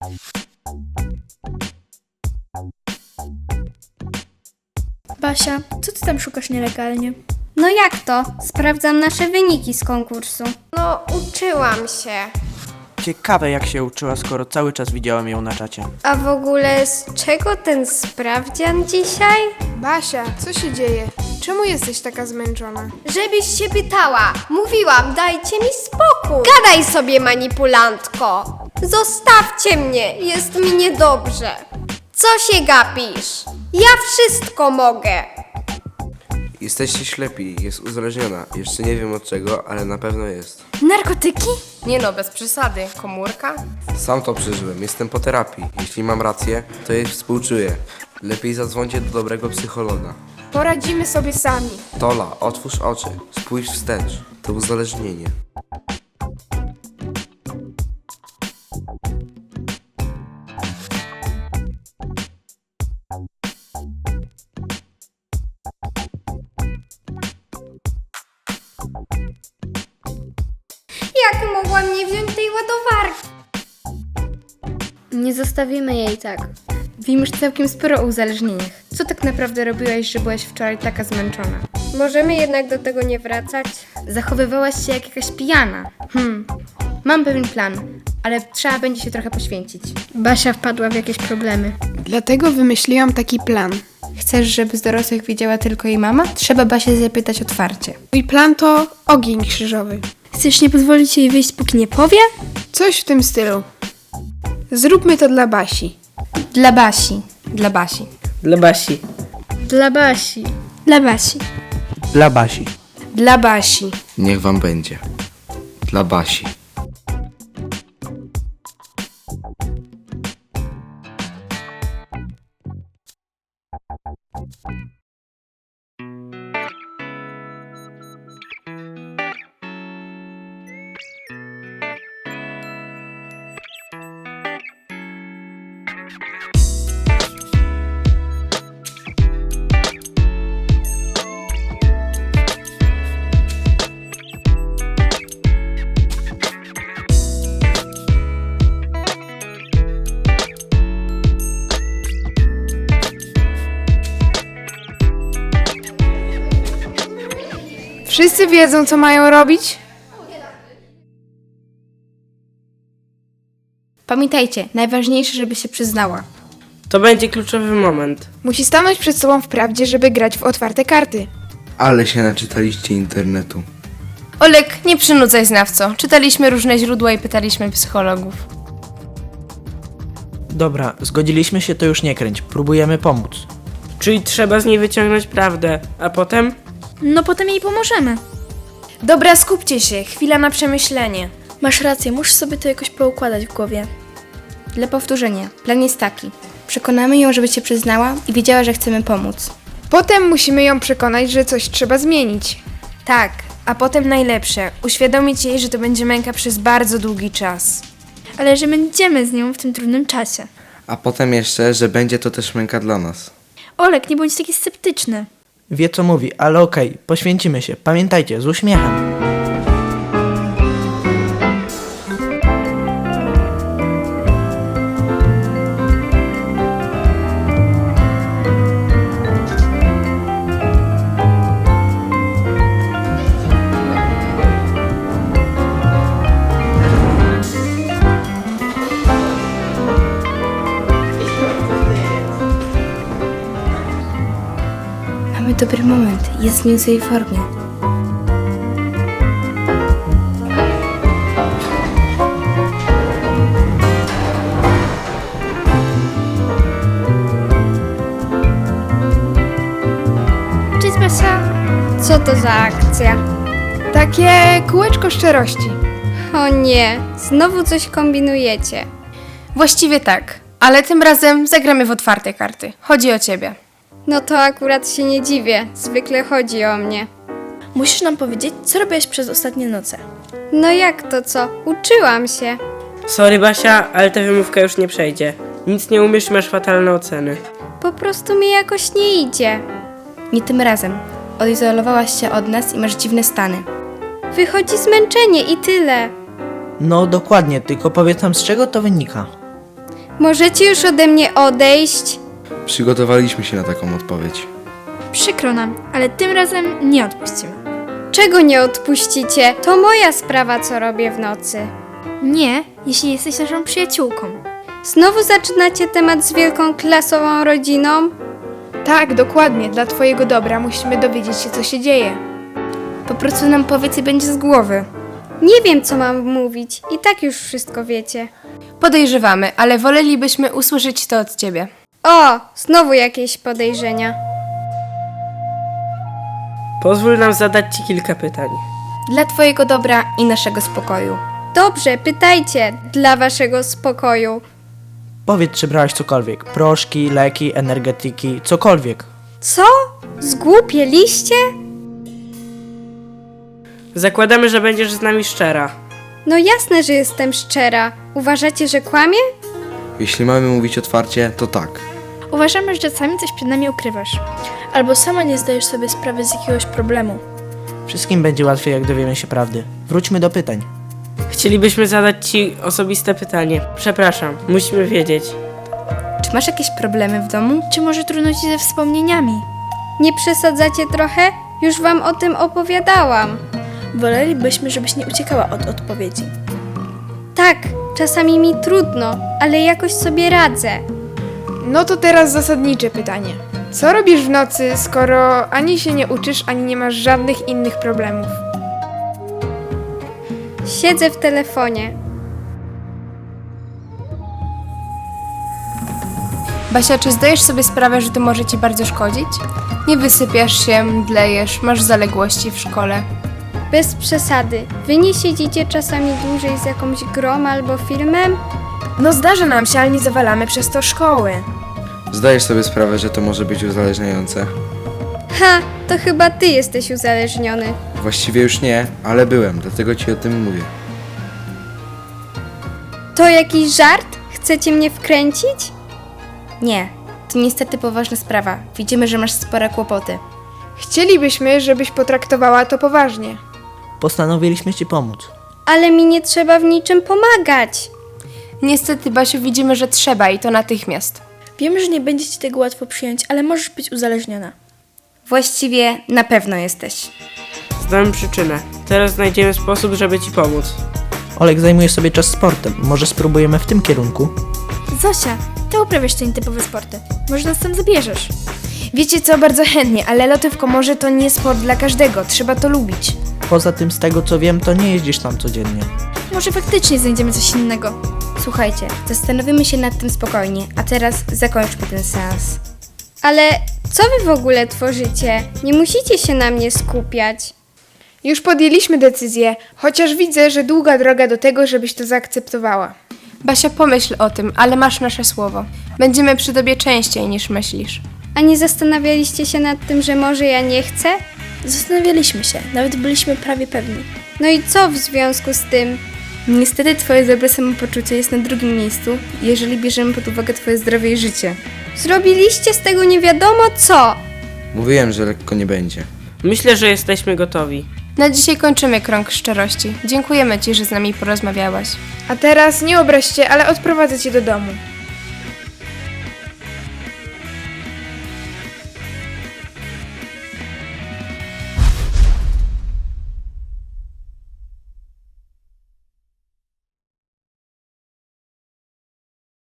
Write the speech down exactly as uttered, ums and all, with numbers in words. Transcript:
Basia, co ty tam szukasz nielegalnie? No jak to? Sprawdzam nasze wyniki z konkursu. No, uczyłam się. Ciekawe jak się uczyła, skoro cały czas widziałem ją na czacie. A w ogóle z czego ten sprawdzian dzisiaj? Basia, co się dzieje? Czemu jesteś taka zmęczona? Żebyś się pytała. Mówiłam, dajcie mi spokój. Gadaj sobie, manipulantko. Zostawcie mnie, jest mi niedobrze. Co się gapisz? Ja wszystko mogę. Jesteście ślepi, jest uzależniona. Jeszcze nie wiem od czego, ale na pewno jest. Narkotyki? Nie no, bez przesady. Komórka? Sam to przeżyłem, jestem po terapii. Jeśli mam rację, to jej współczuję. Lepiej zadzwońcie do dobrego psychologa. Poradzimy sobie sami. Tola, otwórz oczy, spójrz wstecz. To uzależnienie. Jak mogłam nie wziąć tej ładowarki? Nie zostawimy jej tak. Wiem już całkiem sporo o uzależnieniach. Co tak naprawdę robiłaś, że byłaś wczoraj taka zmęczona? Możemy jednak do tego nie wracać? Zachowywałaś się jak jakaś pijana. Hmm, mam pewien plan, ale trzeba będzie się trochę poświęcić. Basia wpadła w jakieś problemy. Dlatego wymyśliłam taki plan. Chcesz, żeby z dorosłych wiedziała tylko jej mama? Trzeba Basię zapytać otwarcie. Mój plan to ogień krzyżowy. Chcesz nie pozwolić jej wyjść, póki nie powie? Coś w tym stylu. Zróbmy to dla Basi. Dla Basi. Dla Basi. Dla Basi. Dla Basi. Dla Basi. Dla Basi. Dla Basi. Niech wam będzie. Dla Basi. Wszyscy wiedzą, co mają robić? Pamiętajcie, najważniejsze, żeby się przyznała. To będzie kluczowy moment. Musi stanąć przed sobą w prawdzie, żeby grać w otwarte karty. Ale się naczytaliście internetu. Olek, nie przynudzaj znawco. Czytaliśmy różne źródła i pytaliśmy psychologów. Dobra, zgodziliśmy się, to już nie kręć. Próbujemy pomóc. Czyli trzeba z niej wyciągnąć prawdę, a potem? No potem jej pomożemy. Dobra, skupcie się. Chwila na przemyślenie. Masz rację, musisz sobie to jakoś poukładać w głowie. Dla powtórzenia, plan jest taki. Przekonamy ją, żeby się przyznała i wiedziała, że chcemy pomóc. Potem musimy ją przekonać, że coś trzeba zmienić. Tak, a potem najlepsze, uświadomić jej, że to będzie męka przez bardzo długi czas. Ale że będziemy z nią w tym trudnym czasie. A potem jeszcze, że będzie to też męka dla nas. Olek, nie bądź taki sceptyczny. Wie co mówi, ale okej, poświęcimy się. Pamiętajcie, z uśmiechem. Mamy dobry moment, jest w niezłej formie. Cześć Basia. Co to za akcja? Takie kółeczko szczerości. O nie, znowu coś kombinujecie. Właściwie tak, ale tym razem zagramy w otwarte karty. Chodzi o ciebie. No to akurat się nie dziwię, zwykle chodzi o mnie. Musisz nam powiedzieć, co robiłaś przez ostatnie noce. No jak to co? Uczyłam się. Sorry Basia, ale ta wymówka już nie przejdzie. Nic nie umiesz i masz fatalne oceny. Po prostu mi jakoś nie idzie. Nie tym razem. Odizolowałaś się od nas i masz dziwne stany. Wychodzi zmęczenie i tyle. No dokładnie, tylko powiedz nam z czego to wynika. Możecie już ode mnie odejść? Przygotowaliśmy się na taką odpowiedź. Przykro nam, ale tym razem nie odpuścimy. Czego nie odpuścicie? To moja sprawa, co robię w nocy. Nie, jeśli jesteś naszą przyjaciółką. Znowu zaczynacie temat z wielką klasową rodziną? Tak, dokładnie. Dla twojego dobra musimy dowiedzieć się, co się dzieje. Po prostu nam powiedz i będzie z głowy. Nie wiem, co mam mówić. I tak już wszystko wiecie. Podejrzewamy, ale wolelibyśmy usłyszeć to od ciebie. O, znowu jakieś podejrzenia. Pozwól nam zadać ci kilka pytań. Dla twojego dobra i naszego spokoju. Dobrze, pytajcie dla waszego spokoju. Powiedz, czy brałaś cokolwiek. Proszki, leki, energetyki, cokolwiek. Co? Zgłupieliście? Zakładamy, że będziesz z nami szczera. No jasne, że jestem szczera. Uważacie, że kłamię? Jeśli mamy mówić otwarcie, to tak. Uważamy, że czasami coś przed nami ukrywasz. Albo sama nie zdajesz sobie sprawy z jakiegoś problemu. Wszystkim będzie łatwiej, jak dowiemy się prawdy. Wróćmy do pytań. Chcielibyśmy zadać ci osobiste pytanie. Przepraszam, musimy wiedzieć. Czy masz jakieś problemy w domu? Czy może trudno ci ze wspomnieniami? Nie przesadzacie trochę? Już wam o tym opowiadałam. Wolelibyśmy, żebyś nie uciekała od odpowiedzi. Tak, czasami mi trudno, ale jakoś sobie radzę. No to teraz zasadnicze pytanie. Co robisz w nocy, skoro ani się nie uczysz, ani nie masz żadnych innych problemów? Siedzę w telefonie. Basia, czy zdajesz sobie sprawę, że to może ci bardzo szkodzić? Nie wysypiasz się, mdlejesz, masz zaległości w szkole. Bez przesady. Wy nie siedzicie czasami dłużej z jakąś grą albo filmem? No zdarza nam się, ale nie zawalamy przez to szkoły. Zdajesz sobie sprawę, że to może być uzależniające? Ha, to chyba ty jesteś uzależniony. Właściwie już nie, ale byłem, dlatego ci o tym mówię. To jakiś żart? Chcecie mnie wkręcić? Nie. To niestety poważna sprawa. Widzimy, że masz spore kłopoty. Chcielibyśmy, żebyś potraktowała to poważnie. Postanowiliśmy ci pomóc. Ale mi nie trzeba w niczym pomagać. Niestety, Basiu, widzimy, że trzeba i to natychmiast. Wiemy, że nie będzie ci tego łatwo przyjąć, ale możesz być uzależniona. Właściwie na pewno jesteś. Znamy przyczynę. Teraz znajdziemy sposób, żeby ci pomóc. Olek zajmuje sobie czas sportem. Może spróbujemy w tym kierunku? Zosia, ty uprawiasz te nietypowe sporty. Może nas tam zabierzesz? Wiecie co, bardzo chętnie, ale loty w komorze to nie sport dla każdego, trzeba to lubić. Poza tym, z tego co wiem, to nie jeździsz tam codziennie. Może faktycznie znajdziemy coś innego. Słuchajcie, zastanowimy się nad tym spokojnie, a teraz zakończmy ten seans. Ale co wy w ogóle tworzycie? Nie musicie się na mnie skupiać. Już podjęliśmy decyzję, chociaż widzę, że długa droga do tego, żebyś to zaakceptowała. Basia, pomyśl o tym, ale masz nasze słowo. Będziemy przy tobie częściej niż myślisz. A nie zastanawialiście się nad tym, że może ja nie chcę? Zastanawialiśmy się, nawet byliśmy prawie pewni. No i co w związku z tym? Niestety twoje dobre samopoczucie jest na drugim miejscu, jeżeli bierzemy pod uwagę twoje zdrowie i życie. Zrobiliście z tego nie wiadomo co. Mówiłem, że lekko nie będzie. Myślę, że jesteśmy gotowi. Na dzisiaj kończymy krąg szczerości. Dziękujemy ci, że z nami porozmawiałaś. A teraz nie obraź się, ale odprowadzę cię do domu.